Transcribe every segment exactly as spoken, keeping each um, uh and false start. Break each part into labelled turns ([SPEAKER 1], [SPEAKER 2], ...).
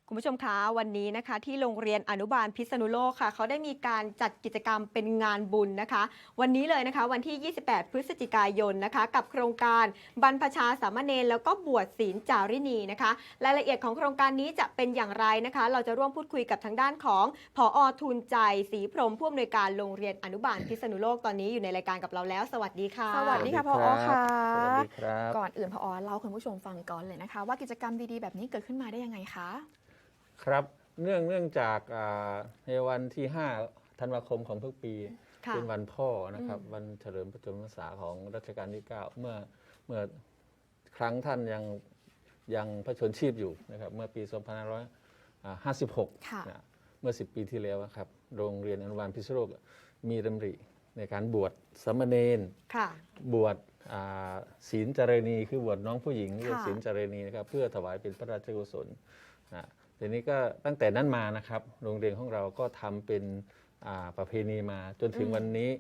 [SPEAKER 1] คุณผู้ชมคะวันนี้นะคะที่โรงเรียนอนุบาลพิษณุโลกค่ะเขาได้มีการจัดกิจกรรมเป็นงานบุญนะคะวันนี้เลยนะคะวันที่ ยี่สิบแปด พฤศจิกายนนะคะกับโครงการบรรพชาสามเณรแล้วก็บวชศีลจารินีนะคะรายละเอียดของโครงการนี้จะเป็นอย่างไรนะคะเราจะร่วมพูดคุยกับทางด้านของผอ.ทูลใจศรีพรหมผู้อำนวยการโรงเรียนอนุบาลพิษณุโลกตอนนี้อยู่ในรายการกับเราแล้วสวัสดีค่ะ
[SPEAKER 2] สวัสดีค่ะผอ.ค่ะ
[SPEAKER 3] สวัสดีครับ
[SPEAKER 2] ก่อนอื่นผอ.เล่าคุณผู้ชมฟังก่อนเลยนะคะว่ากิจกรรมดีๆแบบนี้เกิดขึ้นมาได้ยังไงคะ
[SPEAKER 3] ครับเนื่องเนื่องจากในวันที่ห้าธันวาคมของทุกปีเป็นวันพ่อนะครับวันเฉลิมพระชนมพรรษาของรัชกาลที่เก้าเมื่อเมื่อครั้งท่านยังยังพระชนชีพอยู่นะครับเมื่อปี สองพันห้าร้อยห้าสิบหก นะเมื่อสิบปีที่แล้วครับโรงเรียนอนุบาลพิษณุโลกมีดำริในการบวชสามเณรบวชศีลจารณีคือบวชน้องผู้หญิงเรียกศีลจารณีนะครับเพื่อถวายเป็นพระราชกุศลนะทีนี้ก็ตั้งแต่นั้นมานะครับโรงเรียนของเราก็ทำเป็นประเพณีมาจนถึงวันนี้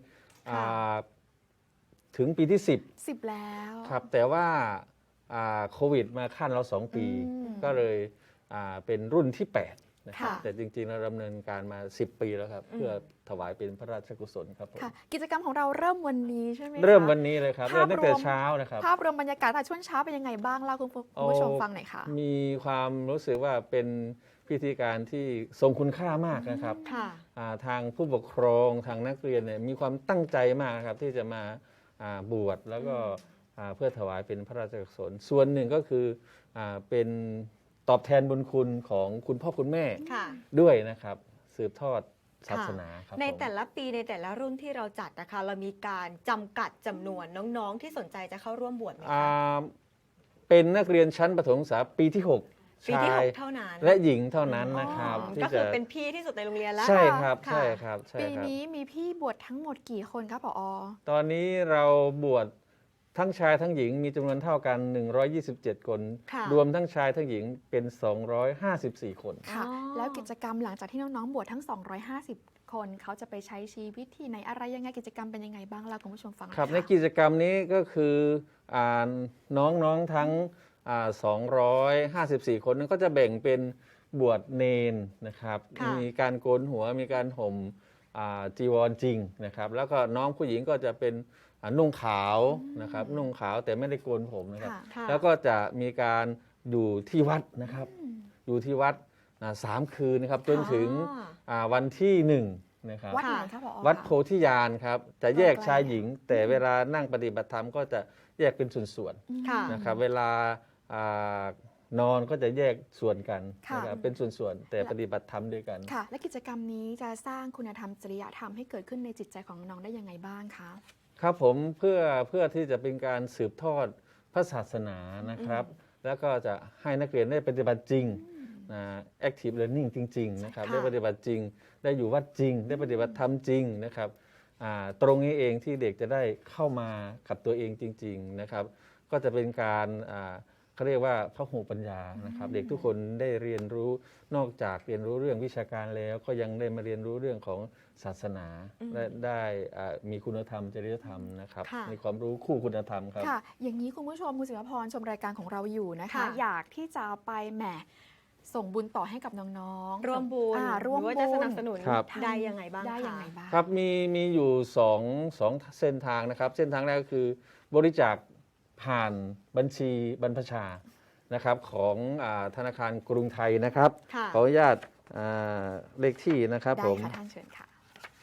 [SPEAKER 3] ถึงปีที่สิบ
[SPEAKER 2] สิบแล้ว
[SPEAKER 3] ครับแต่ว่าโควิดมาขั้นเราสองปีก็เลยเป็นรุ่นที่แปดนะครับแต่จริงๆเราดำเนินการมาสิบปีแล้วครับเพื่อถวายเป็นพระราชกุศลครับผม
[SPEAKER 2] กิจกรรมของเราเริ่มวันนี้ใช่ไหม
[SPEAKER 3] เริ่มวันนี้เลยครับเริ่มตั้งแต่เช้านะครับ
[SPEAKER 2] ภาพรวมบรรยากาศช่วงเช้าเป็นยังไงบ้างเล่าคุณผู้ชมฟังหน่อยค่ะ
[SPEAKER 3] มีความรู้สึกว่าเป็นพิธีการที่ทรงคุณค่ามากนะครับทางผู้ปกครองทางนักเรียนเนี่ยมีความตั้งใจมากครับที่จะมาบวชแล้วก็เพื่อถวายเป็นพระราชกุศลส่วนหนึ่งก็คือเป็นตอบแทนบุญคุณของคุณพ่อคุณแม่ด้วยนะครับสืบทอดศาสนาครับ
[SPEAKER 1] ในแต่ละปีในแต่ละรุ่นที่เราจัดนะคะเรามีการจำกัดจำนวนน้องๆที่สนใจจะเข้าร่วมบวชไหมคะ
[SPEAKER 3] เป็นนักเรียนชั้นประถมศึกษาปีที่หก
[SPEAKER 1] ปีที่หกเท่านั้น
[SPEAKER 3] และหญิงเท่านั้นนะครับ
[SPEAKER 1] ก็คือเป็นพี่ที่สุดในโรงเรียนแล้ว
[SPEAKER 3] ใช่ครับใช่ครับ
[SPEAKER 2] ปีนี้มีพี่บวชทั้งหมดกี่คนครับผอ.
[SPEAKER 3] ตอนนี้เราบวชทั้งชายทั้งหญิงมีจำนวนเท่ากันหนึ่งร้อยยี่สิบเจ็ดคนรวมทั้งชายทั้งหญิงเป็นสองร้อยห้าสิบสี่คน
[SPEAKER 2] ค่ะแล้วกิจกรรมหลังจากที่น้องๆบวชทั้งสองร้อยห้าสิบคนเขาจะไปใช้ชีวิตที่ไหนอะไรยังไงกิจกรรมเป็นยังไงบ้างเราคุณผู้ชมฟัง
[SPEAKER 3] ครับในกิจกรรมนี้ก็คือน้องๆทั้งสองร้อยห้าสิบสี่คนนั้นก็จะแบ่งเป็นบวชเนนนะครับมีการโกนหัวมีการห่มจีวรจริงนะครับแล้วก็น้องผู้หญิงก็จะเป็นนุ่งขาวนะครับนุ่งขาวแต่ไม่ได้โกนผมนะครับแล้วก็จะมีการอยู่ที่วัดนะครับอยู่ที่วัดสามคืนนะครับจนถึงวันที่หนึ่งนะครับ
[SPEAKER 2] วัดไหนครับผอ.
[SPEAKER 3] วัดโพธิญาณครับจะแยกชายหญิงแต่เวลานั่งปฏิบัติธรรมก็จะแยกเป็นส่วนๆนะครับเวลานอนก็จะแยกส่วนกันนะครับเป็นส่วนๆแต่ปฏิบัติธรรมด้วยกัน
[SPEAKER 2] ค่ะและกิจกรรมนี้จะสร้างคุณธรรมจริยธรรมให้เกิดขึ้นในจิตใจของน้องได้ยังไงบ้างคะ
[SPEAKER 3] ครับผมเพื่อเพื่อที่จะเป็นการสืบทอดพระศาสนานะครับแล้วก็จะให้นักเรียนได้ปฏิบัติจริงนะ active learning จริงๆนะครับได้ปฏิบัติจริงได้อยู่วัดจริงได้ปฏิบัติธรรมจริงนะครับตรงนี้เองที่เด็กจะได้เข้ามากับตัวเองจริงๆนะครับก็จะเป็นการเขาเรียกว่าพหุปัญญานะครับเด็กทุกคนได้เรียนรู้นอกจากเรียนรู้เรื่องวิชาการแล้วก็ยังได้มาเรียนรู้เรื่องของศาสนาและได้มีคุณธรรมจริยธรรมนะครับมีความรู้คู่คุณธรรมครับ
[SPEAKER 2] ค่ะอย่างนี้คุณผู้ชมคุณศิวพรชมรายการของเราอยู่นะคะอยากที่จะไปแหมส่งบุญต่อให้กับน้อง
[SPEAKER 1] ๆร่วมบุญ
[SPEAKER 2] ร่วม
[SPEAKER 1] บุญจะสนับสนุนได้ยังไงบ้าง
[SPEAKER 2] ได้ยังไงบ้าง
[SPEAKER 3] ครับมีมีอยู่สองสองเส้นทางนะครับเส้นทางแรกก็คือบริจาคผ่านบัญชีบรรพชานะครับของธนาคารกรุงไทยนะครับขออนุญาตเลขที่นะครับผม
[SPEAKER 2] ได้ค่ะท่านเชิญค่ะ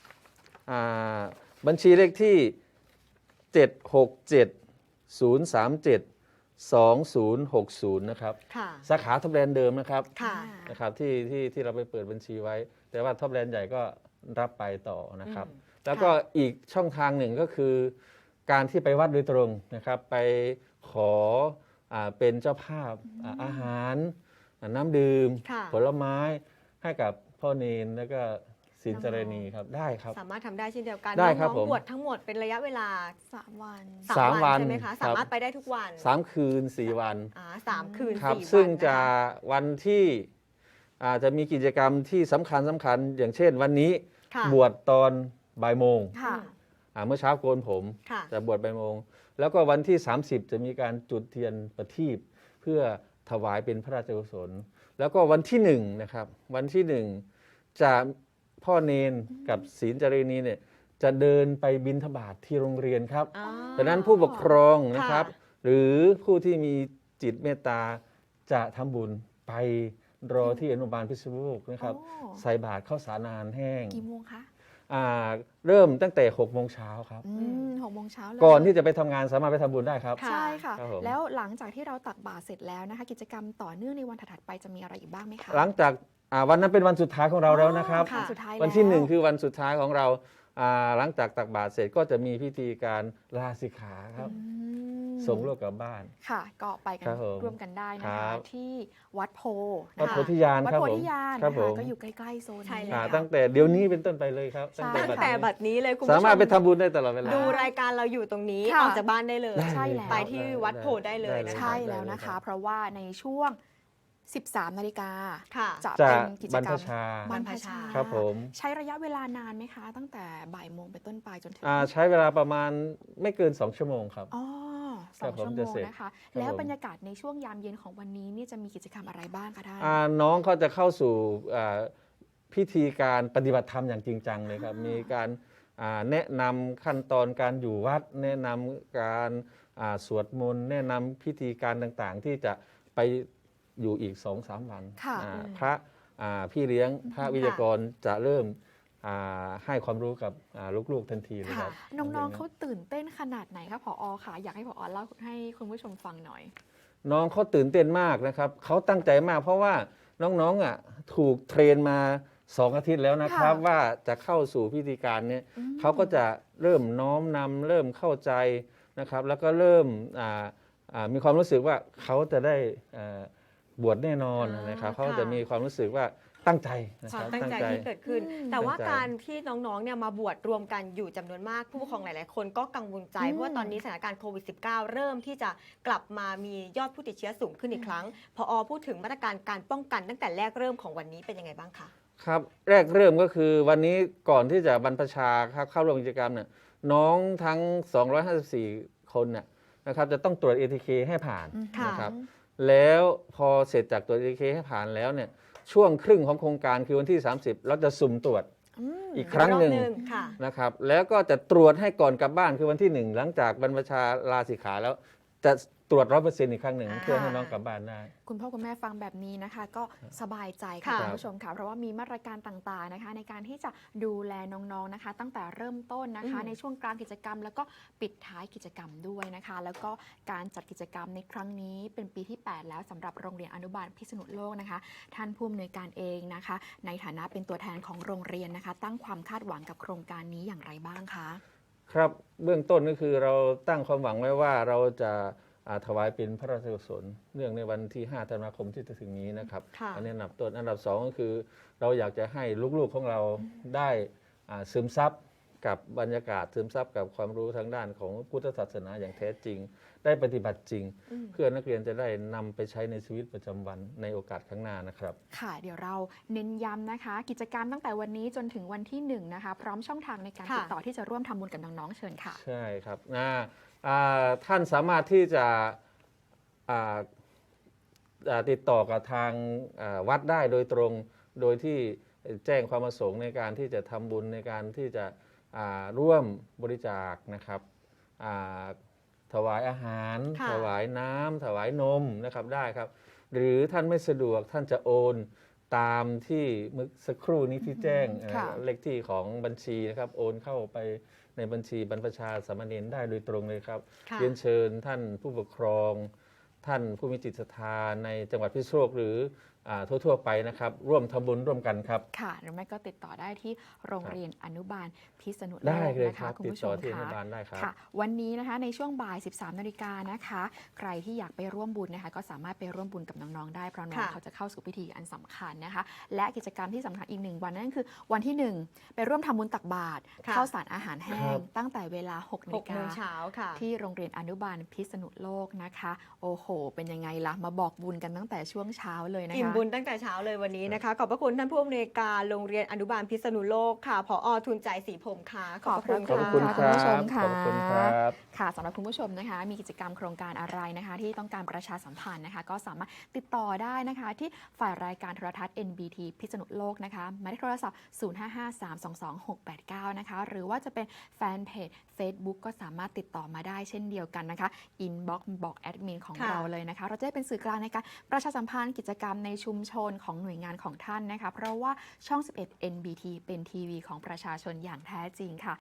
[SPEAKER 3] บัญชีเลขที่เจ็ด หก เจ็ด ศูนย์ สาม เจ็ด สอง ศูนย์ หก ศูนย์นะครับสาขาท็อปแลนด์เดิมนะครับนะครับที่ที่ที่เราไปเปิดบัญชีไว้แต่ว่าท็อปแลนด์ใหญ่ก็รับไปต่อนะครับแล้วก็อีกช่องทางหนึ่งก็คือการที่ไปวัดโดยตรงนะครับไปขอเป็นเจ้าภาพอาหารน้ำดื่มผลไม้ให้กับพ่อเนนแล้วก็ศีลจารณีครับได้ครับ
[SPEAKER 1] สามารถทำได้เช่นเดียวกัน
[SPEAKER 3] ได้ครับ
[SPEAKER 1] ผมบวชทั้งหมดเป็นระยะเวลา
[SPEAKER 2] สามวัน
[SPEAKER 3] สามวัน
[SPEAKER 1] ใช่ไหมคะสามารถไปได้ทุกวัน
[SPEAKER 3] สามคืนสี่วัน
[SPEAKER 1] สามคืน
[SPEAKER 3] ครับซึ่งจะวันที่จะมีกิจกรรมที่สำคัญสำคัญอย่างเช่นวันนี้บวชตอนบ่ายโมงเมื่อเช้าโกนผมจะบวชบ่ายโมงแล้วก็วันที่สามสิบจะมีการจุดเทียนประทีปเพื่อถวายเป็นพระราชกุศลแล้วก็วันที่หนึ่งนะครับวันที่หนึ่งจะพ่อเนนกับศีลจารีนีเนี่ยจะเดินไปบิณฑบาตที่โรงเรียนครับ
[SPEAKER 1] อ๋อ
[SPEAKER 3] ดังนั้นผู้ปกครองนะครับ
[SPEAKER 1] ค่ะ
[SPEAKER 3] หรือผู้ที่มีจิตเมตตาจะทำบุญไปรอที่อนุบาลพิษณุโลกนะครับ
[SPEAKER 2] โอ้
[SPEAKER 3] ใส่บาตรข้าวสารอาหารแห้ง
[SPEAKER 2] กี่โมงคะ
[SPEAKER 3] อ่าเริ่มตั้งแต่หกโมงเช้าครับ
[SPEAKER 2] อืมหกโมงเช้าเลย
[SPEAKER 3] ก่อนที่จะไปทำงานสามารถไปทำบุญได้ครับ
[SPEAKER 1] ค่ะ
[SPEAKER 2] ใช่ค่ะ
[SPEAKER 3] ครับผม
[SPEAKER 2] แล้วหลังจากที่เราตักบาตรเสร็จแล้วนะคะ กิจกรรมต่อเนื่องในวันถัดๆไปจะมีอะไรอีกบ้างไหมคะ
[SPEAKER 3] หลังจากอ่าวันนั้นเป็นวันสุดท้ายของเราแล้วนะครับ
[SPEAKER 2] อ๋อวันสุดท้าย
[SPEAKER 3] วันที่หนึ่ง
[SPEAKER 2] แล้ว
[SPEAKER 3] คือวันสุดท้ายของเราอ่าหลังจากตักบาตรเสร็จก็จะมีพิธีการลาสิกขาครับ
[SPEAKER 2] อืม
[SPEAKER 3] ส่งลูกกลับบ้าน
[SPEAKER 2] ค่ะ ก็ไปกัน
[SPEAKER 3] ครับผม
[SPEAKER 2] ร่วมกันได้นะ
[SPEAKER 3] ครั
[SPEAKER 2] คะ
[SPEAKER 3] บ
[SPEAKER 2] ที่วัดโพ
[SPEAKER 3] วัด
[SPEAKER 2] นะคะ
[SPEAKER 3] โพธิญาณ
[SPEAKER 2] วัด
[SPEAKER 3] ครับ
[SPEAKER 2] โพ
[SPEAKER 3] ผม
[SPEAKER 2] ธิญาณ
[SPEAKER 3] ครับ
[SPEAKER 2] นะ
[SPEAKER 3] ผ
[SPEAKER 2] คะ
[SPEAKER 3] ม
[SPEAKER 2] ก็อยู่ใกล้ๆโซน
[SPEAKER 1] ใช่
[SPEAKER 2] นี้
[SPEAKER 1] แล้ว
[SPEAKER 3] อ่า
[SPEAKER 2] ค่ะ
[SPEAKER 3] ตั้งแต่เดี๋ยวนี้เป็นต้นไปเลยครับ
[SPEAKER 2] ใช่
[SPEAKER 3] ตั้ง
[SPEAKER 1] ตั้ง
[SPEAKER 3] แต่
[SPEAKER 1] แต่
[SPEAKER 3] บั
[SPEAKER 1] บั
[SPEAKER 3] ด
[SPEAKER 1] ด
[SPEAKER 3] นี้
[SPEAKER 1] นี้เลยคุณ
[SPEAKER 3] สา
[SPEAKER 1] ผู้ช
[SPEAKER 3] มารถ
[SPEAKER 1] ม
[SPEAKER 3] ไปทำบุญได้ตลอดเวลา
[SPEAKER 1] ดูรายการเราอยู่ตรงนี้
[SPEAKER 2] ค่ะ
[SPEAKER 1] ออกจากบ้านได้เลย
[SPEAKER 3] ได้
[SPEAKER 2] ใช่แล้ว
[SPEAKER 1] ไปที่วัดโพธิ์ได้เลยนะ
[SPEAKER 3] ได้
[SPEAKER 1] คะ
[SPEAKER 2] ใช่แล้วนะคะ เพราะว่าในช่วง สิบสามนาฬิกา
[SPEAKER 1] ค่ะ
[SPEAKER 2] จะ
[SPEAKER 3] จะ
[SPEAKER 2] เป็นกิจ
[SPEAKER 3] บรร
[SPEAKER 2] กร
[SPEAKER 3] พ
[SPEAKER 2] รม
[SPEAKER 3] ชา
[SPEAKER 2] บรรพชา
[SPEAKER 3] ครับผม
[SPEAKER 2] ใช้ระยะเวลานานไหมคะ ตั้งแต่บ่ายโมงเป็นต้นไปจนถึง
[SPEAKER 3] อ่าใช้เวลาประมาณไม่เกิน สอง ชั่วโมงครับ
[SPEAKER 2] อ๋อส
[SPEAKER 3] ครั
[SPEAKER 2] อบ ง
[SPEAKER 3] ผม
[SPEAKER 2] ชั่วโม
[SPEAKER 3] จะ
[SPEAKER 2] ง
[SPEAKER 3] เสร็จ
[SPEAKER 2] นะคะ
[SPEAKER 3] ครับ
[SPEAKER 2] แล้ว
[SPEAKER 3] ผม
[SPEAKER 2] บรรยากาศในช่วงยามเย็นของวันนี้นี่จะมีกิจกรรมอะไรบ้างคะท่าน
[SPEAKER 3] อ่าน้องเขาจะเข้าสู่อ่าพิธีการปฏิบัติธรรมอย่างจริงจังเลยครับ มีการอ่าแนะนำขั้นตอนการอยู่วัด แนะนำการอ่าสวดมนต์แนะนำพิธีการต่างๆ ที่จะไปอยู่อีก สองสาม วัน
[SPEAKER 2] ค่ะ
[SPEAKER 3] อ่า
[SPEAKER 1] อืม
[SPEAKER 3] พระอ่าพี่เลี้ยงพระวิทยากรจะเริ่มอ่าให้ความรู้กับอ่าลูกๆทันทีเลยค
[SPEAKER 2] ค่ะ
[SPEAKER 3] รับ
[SPEAKER 2] น้องๆเขาตื่นเต้นขนาดไหนคะผอค่ะ อยากให้ผอเล่าให้คุณผู้ชมฟังหน่อย
[SPEAKER 3] น้องเขาตื่นเต้นมากนะครับ เขาตั้งใจมากเพราะว่าน้องๆอ่ะถูกเทรนมาสองอาทิตย์แล้วนะครับ
[SPEAKER 2] ค่ะ
[SPEAKER 3] ว่าจะเข้าสู่พิธีการเนี้ย
[SPEAKER 2] อืม
[SPEAKER 3] เขาก็จะเริ่มน้อมนำเริ่มเข้าใจนะครับ แล้วก็เริ่มอ่าอ่ามีความรู้สึกว่าเขาจะได้อ่าบวชแน่นอน
[SPEAKER 1] อ่าน
[SPEAKER 3] นะครับ เขา
[SPEAKER 1] ค่ะ
[SPEAKER 3] จะมีความรู้สึกว่าตั้งใจนะ
[SPEAKER 1] ค
[SPEAKER 3] คว
[SPEAKER 1] า
[SPEAKER 3] รั
[SPEAKER 1] ม
[SPEAKER 3] บ
[SPEAKER 1] ตั้งใจที่เกิดขึ้น
[SPEAKER 2] อืม
[SPEAKER 1] แต่ว่า
[SPEAKER 3] ตั้งใจ
[SPEAKER 1] การที่น้องๆเนี่ยมาบวชรวมกันอยู่จำนวนมากผู้ปกครองหลายๆ คนก็กังวลใจ
[SPEAKER 2] อืม
[SPEAKER 1] เพราะว่าตอนนี้สถานการณ์โควิด สิบเก้า เริ่มที่จะกลับมามียอดผู้ติดเชื้อสูงขึ้นอีกครั้งพอพูดถึงมาตรการการป้องกันตั้งแต่แรกเริ่มของวันนี้เป็นยังไงบ้างคะ
[SPEAKER 3] ครับแรกเริ่มก็คือวันนี้ก่อนที่จะบรรพชาครับเข้าร่วมกิจกรรมเนี่ยน้องทั้ง สองร้อยห้าสิบสี่ คนเนี่ยนะครับจะต้องตรวจ เอ ที เค ให้ผ่าน
[SPEAKER 1] ค่ะ
[SPEAKER 3] นะครับ แล้วพอเสร็จจากตรวจ เอ ที เค ให้ผ่านแล้วเนี่ยช่วงครึ่งของโครงการคือวันที่ สามสิบ เราจะสุ่มตรวจ
[SPEAKER 2] อืม
[SPEAKER 3] อีกครั้งหนึ่ง
[SPEAKER 1] อีกรอบค่ะ
[SPEAKER 3] นะครับแล้วก็จะตรวจให้ก่อนกลับบ้านคือวันที่หนึ่งหลังจากบรรพชาลาสิกขาแล้วจะตรวจร้อยเปอร์เซ็นต์อีกครั้งหนึ่ง
[SPEAKER 1] อ่า
[SPEAKER 3] เพื่อให้น้องกลับบ้านได้
[SPEAKER 2] คุณพ่อคุณแม่ฟังแบบนี้นะคะ ก็สบายใจค่ะ
[SPEAKER 1] ค่ะ
[SPEAKER 2] คุณผู้ชมค่ะเพราะว่ามีมาตรการต่างๆนะคะ ในการที่จะดูแลน้องๆนะคะ ตั้งแต่เริ่มต้นนะคะ
[SPEAKER 1] อืม
[SPEAKER 2] ในช่วงกลางกิจกรรม แล้วก็ปิดท้ายกิจกรรมด้วยนะคะ แล้วก็การจัดกิจกรรมในครั้งนี้เป็นปีที่ แปด แล้วสำหรับโรงเรียนอนุบาลพิษณุโลกนะคะ ท่านผู้อำนวยการเองนะคะ ในฐานะเป็นตัวแทนของโรงเรียนนะคะ ตั้งความคาดหวังกับโครงการนี้อย่างไรบ้างคะ
[SPEAKER 3] ครับเบื้องต้นก็คือเราตั้งความหวังไว้ว่าเราจะอ่าถวายเป็นพระราชกุศลเนื่องในวันที่ห้าธันวาคมที่จะถึงนี้นะครับ
[SPEAKER 1] ค่ะ
[SPEAKER 3] อันนี้อันดับต้นอันดับสองก็คือ เราอยากจะให้ลูกๆของเราได้อ่าซึมซับกับบรรยากาศซึมซับกับความรู้ทางด้านของพุทธศาสนาอย่างแท้จริง ได้ปฏิบัติจริง
[SPEAKER 1] อืม
[SPEAKER 3] เพื่อนักเรียนจะได้นำไปใช้ในชีวิตประจำวันในโอกาสข้างหน้านะครับ
[SPEAKER 2] ค่ะ เดี๋ยวเราเน้นย้ำนะคะ กิจกรรมตั้งแต่วันนี้จนถึงวันที่หนึ่งนะคะ พร้อมช่องทางในการ
[SPEAKER 1] ค่ะ
[SPEAKER 2] ติดต่อที่จะร่วมทำบุญกับน้องๆเชิญค่ะ
[SPEAKER 3] ใช่ครับอ่าอ่าท่านสามารถที่จะอ่าอ่าติดต่อกับทางอ่าวัดได้โดยตรง โดยที่แจ้งความประสงค์ในการที่จะทำบุญในการที่จะอ่าร่วมบริจาคนะครับอ่าถวายอาหาร
[SPEAKER 1] ค่ะ
[SPEAKER 3] ถวายน้ำถวายนมนะครับได้ครับ หรือท่านไม่สะดวกท่านจะโอนตามที่เมื่อสักครู่นี้ที่แจ้ง
[SPEAKER 2] ค่ะ
[SPEAKER 3] เอ่อเลขที่ของบัญชีนะครับโอนเข้าไปในบัญชีบรรพชาสามเณรได้โดยตรงเลยครับ
[SPEAKER 1] ค่ะ
[SPEAKER 3] เรียนเชิญท่านผู้ปกครอง ท่านผู้มีจิตศรัทธาในจังหวัดพิษณุโลกหรืออ่าทั่วๆไปนะครับ ร่วมทำบุญร่วมกันครับ
[SPEAKER 2] ค่ะ หรือไม่ก็ติดต่อได้ที่โรงเรียนอนุบาลพิษณุโล
[SPEAKER 3] ได้
[SPEAKER 2] ก
[SPEAKER 3] เลย
[SPEAKER 2] นะ
[SPEAKER 3] ครั
[SPEAKER 2] คะ
[SPEAKER 3] บ
[SPEAKER 2] คุณ
[SPEAKER 3] ติด
[SPEAKER 2] ผู้ช
[SPEAKER 3] ต่อ
[SPEAKER 2] ม
[SPEAKER 3] ที่อนุ
[SPEAKER 2] ค่ะ
[SPEAKER 3] บาลได้ครับ
[SPEAKER 2] ค่ะ วันนี้นะคะในช่วงบ่าย สิบสามนาฬิกานะคะ ใครที่อยากไปร่วมบุญนะคะ ก็สามารถไปร่วมบุญกับน้องๆได้เพราะน้อง
[SPEAKER 1] ค่ะ
[SPEAKER 2] เขาจะเข้าสู่พิธีอันสำคัญนะคะ และกิจกรรมที่สำคัญอีกหนึ่งวันนั่นคือวันที่หนึ่งไปร่วมทำบุญตักบาตร
[SPEAKER 1] ค่ะ
[SPEAKER 2] ข้าวสารอาหารแห้
[SPEAKER 3] ครั
[SPEAKER 2] ง
[SPEAKER 3] บ
[SPEAKER 2] ตั้งแต่เวลาหกนา
[SPEAKER 1] ห
[SPEAKER 2] ฬิ
[SPEAKER 1] กโม
[SPEAKER 2] กา
[SPEAKER 1] งเช้าค่ะ
[SPEAKER 2] ที่โรงเรียนอนุบาลพิษณุโลกนะคะ โอ้โห เป็นยังไงล่ะ มาบอกบุญกันตั้งแต่ช่วงเช้าเลยนะคะ
[SPEAKER 1] อิ่มบุญตั้งแต่เช้าเลยวันนี้นะคะ ขอบพระคุณท่านผู้อำนวยการโรงเรียนอนุบาลพิษณุโลกค่ะผอทุนใจศรีพรหมค่ะขอบพระคุณ
[SPEAKER 3] ขอบ
[SPEAKER 1] ค่ะ
[SPEAKER 3] คุณ
[SPEAKER 2] ค่ะ
[SPEAKER 3] ค
[SPEAKER 2] คุณผู้ช
[SPEAKER 3] รับ
[SPEAKER 2] มค่ะ
[SPEAKER 3] ขอบคุณครับ
[SPEAKER 2] ค่ะสำหรับคุณผู้ชมนะคะมีกิจกรรมโครงการอะไรนะคะที่ต้องการประชาสัมพันธ์นะคะก็สามารถติดต่อได้นะคะที่ฝ่ายรายการโทรทัศน์ เอ็น บี ที พิษณุโลกนะคะหมายเลขโทรศัพท์ ศูนย์ ห้า ห้า สาม สอง สอง หก แปด เก้า นะคะหรือว่าจะเป็นแฟนเพจ Facebook ก็สามารถติดต่อมาได้เช่นเดียวกันนะคะอินบ็อกซ์บอกแอดมินของ
[SPEAKER 1] ค่ะ
[SPEAKER 2] เราเลยนะคะเราจะได้เป็นสื่อกลางในการประชาสัมพันธ์กิจกรรมในชุมชนของหน่วยงานของท่านนะคะเพราะว่าช่อง สิบเอ็ด เอ็น บี ที เป็นทีวีของประชาชนอย่างแท้จริงค่ะ